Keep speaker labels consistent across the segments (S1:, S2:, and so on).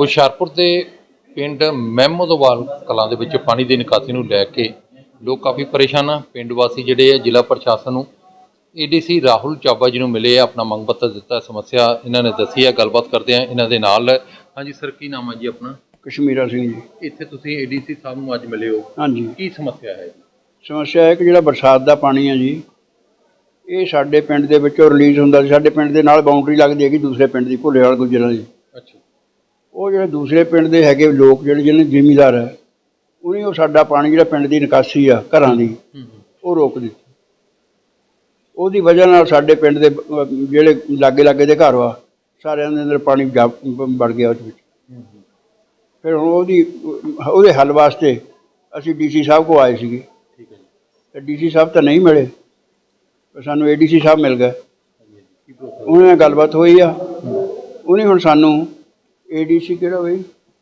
S1: ਹੁਸ਼ਿਆਰਪੁਰ ਦੇ ਪਿੰਡ ਮਹਿਮਦਵਾਲ ਕਲਾਂ ਦੇ ਵਿੱਚ ਪਾਣੀ ਦੀ ਨਿਕਾਸੀ ਨੂੰ ਲੈ ਕੇ ਲੋਕ ਕਾਫੀ ਪਰੇਸ਼ਾਨ ਆ। ਪਿੰਡ ਵਾਸੀ ਜਿਹੜੇ ਆ ਜ਼ਿਲ੍ਹਾ ਪ੍ਰਸ਼ਾਸਨ ਨੂੰ ADC ਰਾਹੁਲ ਚਾਬਾ ਜੀ ਨੂੰ ਮਿਲੇ ਆ, ਆਪਣਾ ਮੰਗ ਪੱਤਰ ਦਿੱਤਾ। ਸਮੱਸਿਆ ਇਹਨਾਂ ਨੇ ਦੱਸੀ ਹੈ, ਗੱਲਬਾਤ ਕਰਦੇ ਆ ਇਹਨਾਂ ਦੇ ਨਾਲ। ਹਾਂਜੀ ਸਰ, ਕੀ ਨਾਮ ਹੈ ਜੀ ਆਪਣਾ?
S2: ਕਸ਼ਮੀਰਾ ਸਿੰਘ ਜੀ।
S1: ਇੱਥੇ ਤੁਸੀਂ ADC ਸਾਹਿਬ ਨੂੰ ਅੱਜ ਮਿਲੇ ਹੋ,
S2: ਹਾਂਜੀ।
S1: ਕੀ ਸਮੱਸਿਆ ਹੈ?
S2: ਸਮੱਸਿਆ ਹੈ ਕਿ ਜਿਹੜਾ ਬਰਸਾਤ ਦਾ ਪਾਣੀ ਹੈ ਜੀ, ਇਹ ਸਾਡੇ ਪਿੰਡ ਦੇ ਵਿੱਚੋਂ ਰਿਲੀਜ਼ ਹੁੰਦਾ ਸੀ। ਸਾਡੇ ਪਿੰਡ ਦੇ ਨਾਲ ਬਾਉਂਡਰੀ ਲੱਗਦੀ ਹੈਗੀ ਦੂਸਰੇ ਪਿੰਡ ਦੀ, ਭੁੱਲੇਵਾਲ ਗੁੱਜਰਾਂ ਦੀ।
S1: ਅੱਛਾ।
S2: ਉਹ ਜਿਹੜੇ ਦੂਸਰੇ ਪਿੰਡ ਦੇ ਹੈਗੇ ਲੋਕ ਜਿਹੜੇ ਜ਼ਿਮੀਂਦਾਰ ਹੈ, ਉਹਨੇ ਉਹ ਸਾਡਾ ਪਾਣੀ ਜਿਹੜਾ ਪਿੰਡ ਦੀ ਨਿਕਾਸੀ ਆ ਘਰਾਂ ਦੀ, ਉਹ ਰੋਕ ਦਿੱਤੀ। ਉਹਦੀ ਵਜ੍ਹਾ ਨਾਲ ਸਾਡੇ ਪਿੰਡ ਦੇ ਜਿਹੜੇ ਲਾਗੇ ਦੇ ਘਰ ਵਾ, ਸਾਰਿਆਂ ਦੇ ਅੰਦਰ ਪਾਣੀ ਵੜ ਗਿਆ ਉਸ ਵਿੱਚ। ਫਿਰ ਹੁਣ ਉਹਦੇ ਹੱਲ ਵਾਸਤੇ ਅਸੀਂ DC ਸਾਹਿਬ ਕੋਲ ਆਏ ਸੀਗੇ।
S1: ਠੀਕ ਹੈ ਜੀ।
S2: ਤੇ DC ਸਾਹਿਬ ਤਾਂ ਨਹੀਂ ਮਿਲੇ, ਪਰ ਸਾਨੂੰ ADC ਸਾਹਿਬ ਮਿਲ ਗਏ। ਉਹਨਾਂ ਨਾਲ ਗੱਲਬਾਤ ਹੋਈ ਆ। ਉਹਨੇ ਹੁਣ ਸਾਨੂੰ ADC ਕਿਹੜਾ ਹੋਈ,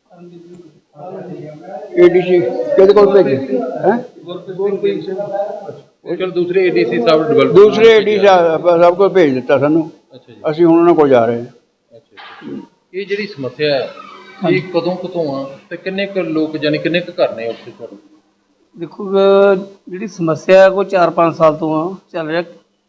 S2: ADC ਕਿਹਦੇ ਕੋਲ ਭੇਜੇ ਹੈ?
S1: ਦੂਸਰੇ ADC ਸਾਹਿਬ,
S2: ਦੂਸਰੇ ADC ਸਾਹਿਬ ਕੋਲ ਭੇਜ ਦਿੱਤਾ ਸਾਨੂੰ।
S1: ਅੱਛਾ ਜੀ।
S2: ਅਸੀਂ ਹੁਣ ਉਹਨਾਂ ਕੋਲ ਜਾ ਰਹੇ ਹਾਂ।
S1: ਅੱਛਾ। ਇਹ ਜਿਹੜੀ ਸਮੱਸਿਆ ਹੈ ਇਹ ਕਦੋਂ ਆ ਤੇ ਕਿੰਨੇ ਕੁ ਲੋਕ ਯਾਨੀ ਕਿੰਨੇ ਕੁ ਘਰ ਨੇ ਉੱਥੇ ਤੁਹਾਡੇ?
S3: ਦੇਖੋ ਜਿਹੜੀ ਸਮੱਸਿਆ ਕੋਈ 4-5 ਸਾਲ ਤੋਂ ਚੱਲ ਰਿਹਾ।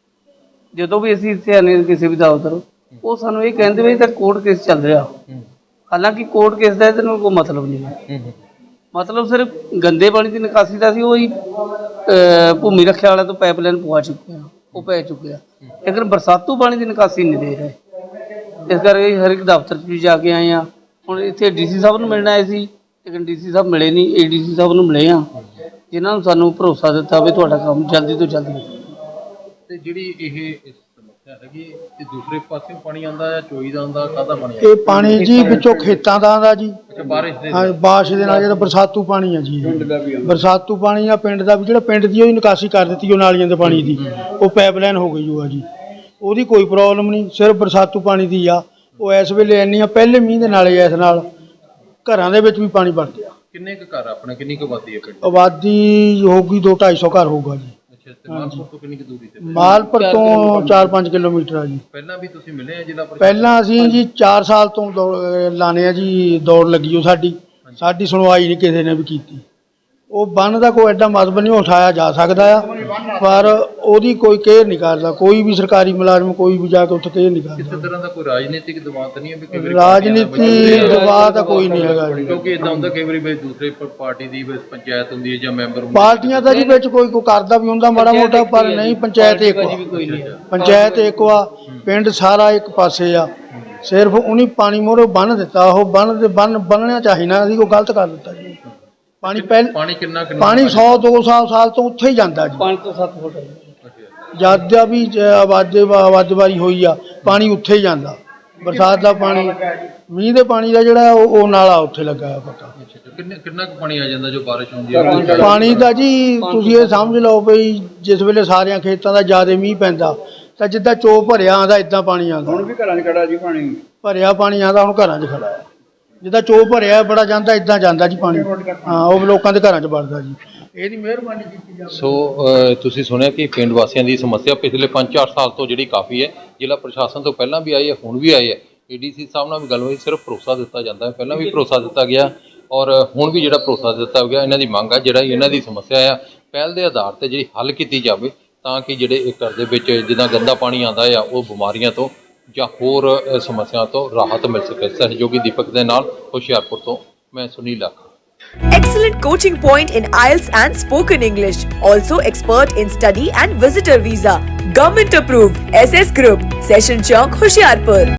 S3: ਜਦੋਂ ਵੀ ਅਸੀਂ ਇੱਥੇ ਆਨੇ ਕਿਸੇ ਵੀ ਦਫ਼ਤਰ, ਉਹ ਸਾਨੂੰ ਇਹ ਕਹਿੰਦੇ ਵੀ ਤਾਂ ਕੋਰਟ ਕੇਸ ਚੱਲ ਰਿਹਾ। ਹਾਲਾਂਕਿ ਕੋਰਟ ਕੇਸ ਦਾ ਇਹਦੇ ਨਾਲ ਕੋਈ ਮਤਲਬ ਨਹੀਂ ਹੈ। ਮਤਲਬ ਸਿਰਫ ਗੰਦੇ ਪਾਣੀ ਦੀ ਨਿਕਾਸੀ ਦਾ ਸੀ। ਉਹੀ ਭੂਮੀ ਰੱਖਿਆ ਵਾਲਿਆਂ ਤੋਂ ਪਾਈਪਲਾਈਨ ਪਵਾ ਚੁੱਕੇ ਆ, ਉਹ ਪੈ ਚੁੱਕੇ ਆ, ਲੇਕਿਨ ਬਰਸਾਤੂ ਪਾਣੀ ਦੀ ਨਿਕਾਸੀ ਨਹੀਂ ਦੇ ਰਹੇ। ਇਸ ਕਰਕੇ ਹਰ ਇੱਕ ਦਫ਼ਤਰ 'ਚ ਵੀ ਜਾ ਕੇ ਆਏ ਆ। ਹੁਣ ਇੱਥੇ DC ਸਾਹਿਬ ਨੂੰ ਮਿਲਣ ਆਏ ਸੀ, ਲੇਕਿਨ DC ਸਾਹਿਬ ਮਿਲੇ ਨਹੀਂ। ADC ਸਾਹਿਬ ਨੂੰ ਮਿਲੇ ਆ, ਜਿਨ੍ਹਾਂ ਨੂੰ ਸਾਨੂੰ ਭਰੋਸਾ ਦਿੱਤਾ ਵੀ ਤੁਹਾਡਾ ਕੰਮ ਜਲਦੀ ਤੋਂ ਜਲਦੀ।
S1: ਤੇ ਜਿਹੜੀ ਇਹ ਸਮੱਸਿਆ ਹੈਗੀ, ਇਹ ਦੂਸਰੇ ਪਾਸੇ ਪਾਣੀ ਆਉਂਦਾ ਜਾਂ ਚੋਈ ਦਾ ਆਉਂਦਾ, ਕਾਹਦਾ ਪਾਣੀ?
S4: ਇਹ ਪਾਣੀ ਜੀ ਵਿੱਚੋਂ ਖੇਤਾਂ ਦਾ ਆਉਂਦਾ ਜੀ।
S1: ਅੱਛਾ, ਬਾਰਿਸ਼ ਦੇ?
S4: ਹਾਂ, ਬਾਰਿਸ਼ ਦੇ ਨਾਲ ਜਿਹੜਾ ਬਰਸਾਤੂ ਪਾਣੀ ਆ ਜੀ, ਬਰਸਾਤੂ ਪਾਣੀ ਆ। ਪਿੰਡ ਦਾ ਵੀ ਜਿਹੜਾ ਪਿੰਡ ਦੀ ਉਹਦੀ ਨਿਕਾਸੀ ਕਰ ਦਿੱਤੀ ਉਹ ਨਾਲੀਆਂ ਦੇ ਪਾਣੀ ਦੀ, ਉਹ ਪਾਈਪਲਾਈਨ ਹੋ ਗਈ ਉਹ ਆ ਜੀ। ਉਹਦੀ ਕੋਈ ਪ੍ਰੋਬਲਮ ਨਹੀਂ, ਸਿਰਫ ਬਰਸਾਤੂ ਪਾਣੀ ਦੀ ਆ। ਉਹ ਇਸ ਵੇਲੇ ਇੰਨੀ ਆ, ਪਹਿਲੇ ਮੀਂਹ ਦੇ ਨਾਲ ਇਸ ਨਾਲ ਘਰਾਂ ਦੇ ਵਿੱਚ ਵੀ ਪਾਣੀ ਵੜ ਗਿਆ।
S1: ਕਿੰਨੇ ਕੁ ਘਰ ਆਪਣੇ, ਕਿੰਨੀ ਕੁ ਆਬਾਦੀ ਹੈ ਪਿੰਡ?
S4: ਆਬਾਦੀ ਹੋਊਗੀ 200-250 ਘਰ ਹੋਊਗਾ ਜੀ।
S1: ਅੱਛਾ। ਤੇ ਮਾਲਪੁਰ ਤੋਂ ਕਿੰਨੀ ਕੁ ਦੂਰੀ ਤੇ?
S4: ਮਾਲਪੁਰ ਤੋਂ 4-5 ਕਿਲੋਮੀਟਰ ਆ ਜੀ।
S1: ਪਹਿਲਾਂ ਵੀ ਤੁਸੀਂ ਮਿਲੇ ਆ ਜ਼ਿਲ੍ਹਾ ਪ੍ਰਸ਼ਾਸਨ?
S4: ਪਹਿਲਾਂ ਅਸੀਂ ਜੀ 4 ਸਾਲ ਤੋਂ ਲਾਣੇ ਆ ਜੀ, ਦੌੜ ਲੱਗੀ ਉਹ ਸਾਡੀ ਸੁਣਵਾਈ ਨਹੀਂ ਕਿਸੇ ਨੇ ਵੀ ਕੀਤੀ। ਉਹ ਬੰਨ ਦਾ ਕੋਈ ਐਡਾ ਮਤਲਬ ਨਹੀਂ ਉਠਾਇਆ ਜਾ ਸਕਦਾ ਆ, ਪਰ ਉਹਦੀ ਕੋਈ ਕੇਅਰ ਨਹੀਂ ਕਰਦਾ। ਕੋਈ ਵੀ ਸਰਕਾਰੀ ਮੁਲਾਜ਼ਮ ਕੋਈ ਵੀ ਜਾ ਕੇ ਉੱਥੇ ਕੇਅਰ ਨਹੀਂ ਕਰਦਾ।
S1: ਕਿਸੇ ਤਰ੍ਹਾਂ ਦਾ ਕੋਈ ਰਾਜਨੀਤਿਕ ਦਬਾਅ ਤਾਂ ਨਹੀਂ ਹੈ? ਵੀ
S4: ਰਾਜਨੀਤੀ ਦਬਾਅ ਤਾਂ ਕੋਈ ਨਹੀਂ ਹੈਗਾ ਜੀ,
S1: ਕਿਉਂਕਿ ਇਦਾਂ ਹੁੰਦਾ ਕਈ ਵਾਰੀ ਵੀ ਦੂਸਰੇ ਪਾਰਟੀ ਦੀ ਪੰਚਾਇਤ ਹੁੰਦੀ ਹੈ ਜਾਂ ਮੈਂਬਰ
S4: ਪਾਰਟੀਆਂ ਦਾ ਜੀ ਵਿੱਚ ਕੋਈ ਕਰਦਾ ਵੀ ਹੁੰਦਾ ਮਾੜਾ ਮੋਟਾ, ਪਰ ਨਹੀਂ। ਪੰਚਾਇਤ ਇੱਕ ਪੰਚਾਇਤ ਇੱਕ ਆ, ਪਿੰਡ ਸਾਰਾ ਇੱਕ ਪਾਸੇ ਆ। ਸਿਰਫ ਉਹਨੇ ਪਾਣੀ ਮੋਰੇ ਬੰਨ ਦਿੱਤਾ। ਉਹ ਬੰਨਣਾ ਚਾਹੀਦਾ ਸੀ, ਉਹ ਗਲਤ ਕਰ ਦਿੱਤਾ ਜੀ। ਪਾਣੀ
S1: ਕਿੰਨਾ
S4: ਪਾਣੀ 100-200 ਸਾਲ ਤੋਂ ਉੱਥੇ ਹੀ ਜਾਂਦਾ ਜੀ।
S3: 5 ਤੋਂ 7 ਫੁੱਟ
S4: ਜਦ ਦਾ ਵੀ ਆਵਾਜ਼ਵਾਰੀ ਹੋਈ ਆ, ਪਾਣੀ ਉੱਥੇ ਹੀ ਜਾਂਦਾ। ਬਰਸਾਤ ਦਾ ਪਾਣੀ, ਮੀਂਹ ਦੇ ਪਾਣੀ ਦਾ ਜਿਹੜਾ ਉਹ ਨਾਲਾ ਉੱਥੇ ਲੱਗਾ ਹੈ ਪੱਕਾ।
S1: ਕਿੰਨਾ ਕੁ ਪਾਣੀ ਆ ਜਾਂਦਾ ਜੋ ਬਾਰਿਸ਼ ਹੁੰਦੀ ਹੈ?
S4: ਪਾਣੀ ਦਾ ਜੀ ਤੁਸੀਂ ਇਹ ਸਮਝ ਲਓ ਵੀ ਜਿਸ ਵੇਲੇ ਸਾਰਿਆਂ ਖੇਤਾਂ ਦਾ ਜ਼ਿਆਦਾ ਮੀਂਹ ਪੈਂਦਾ ਤਾਂ ਜਿੱਦਾਂ ਚੋਅ ਭਰਿਆ ਆਉਂਦਾ ਇੱਦਾਂ ਪਾਣੀ ਆਉਂਦਾ।
S2: ਹੁਣ ਵੀ ਘਰਾਂ 'ਚ ਖੜਾ ਜੀ ਪਾਣੀ,
S4: ਭਰਿਆ ਪਾਣੀ ਆਉਂਦਾ। ਹੁਣ ਘਰਾਂ 'ਚ ਖੜਾ ਹੈ, ਜਿੱਦਾਂ ਚੋਅ ਭਰਿਆ ਬੜਾ ਜਾਂਦਾ ਇੱਦਾਂ ਜਾਂਦਾ ਜੀ ਪਾਣੀ। ਹਾਂ, ਉਹ ਲੋਕਾਂ ਦੇ ਘਰਾਂ 'ਚ ਵੜਦਾ ਜੀ। ਇਹਦੀ ਮਿਹਰਬਾਨੀ ਕੀਤੀ ਜਾਵੇ।
S1: ਸੋ ਤੁਸੀਂ ਸੁਣਿਆ ਕਿ ਪਿੰਡ ਵਾਸੀਆਂ ਦੀ ਸਮੱਸਿਆ ਪਿਛਲੇ 5-4 ਸਾਲ ਤੋਂ ਜਿਹੜੀ ਕਾਫੀ ਹੈ। ਜ਼ਿਲ੍ਹਾ ਪ੍ਰਸ਼ਾਸਨ ਤੋਂ ਪਹਿਲਾਂ ਵੀ ਆਈ ਹੈ, ਹੁਣ ਵੀ ਆਈ ਹੈ। ADC ਸਾਹਿਬ ਨਾਲ ਵੀ ਗੱਲ ਹੋਈ, ਸਿਰਫ ਭਰੋਸਾ ਦਿੱਤਾ ਜਾਂਦਾ ਹੈ। ਪਹਿਲਾਂ ਵੀ ਭਰੋਸਾ ਦਿੱਤਾ ਗਿਆ ਔਰ ਹੁਣ ਵੀ ਜਿਹੜਾ ਭਰੋਸਾ ਦਿੱਤਾ ਗਿਆ। ਇਹਨਾਂ ਦੀ ਮੰਗ ਹੈ ਜਿਹੜਾ ਇਹਨਾਂ ਦੀ ਸਮੱਸਿਆ ਆ, ਪਹਿਲ ਦੇ ਆਧਾਰ 'ਤੇ ਜਿਹੜੀ ਹੱਲ ਕੀਤੀ ਜਾਵੇ, ਤਾਂ ਕਿ ਜਿਹੜੇ ਇਹ ਘਰ ਦੇ ਵਿੱਚ ਜਿੱਦਾਂ ਗੰਦਾ ਪਾਣੀ ਆਉਂਦਾ ਆ, ਉਹ ਬਿਮਾਰੀਆਂ ਤੋਂ ਜਾਂ ਹੋਰ ਸਮੱਸਿਆ ਤੋਂ ਰਾਹਤ ਮਿਲ ਸਕੇ। ਸਹਿਯੋਗੀ ਦੀਪਕ ਦੇ ਨਾਲ ਹੁਸ਼ਿਆਰਪੁਰ ਤੋਂ ਮੈਂ Sunil ਲਾਖਾ।
S5: Excellent coaching point in IELTS and spoken English. Also expert in study and visitor visa. Government approved. SS Group. Session Chowk, Hoshiarpur.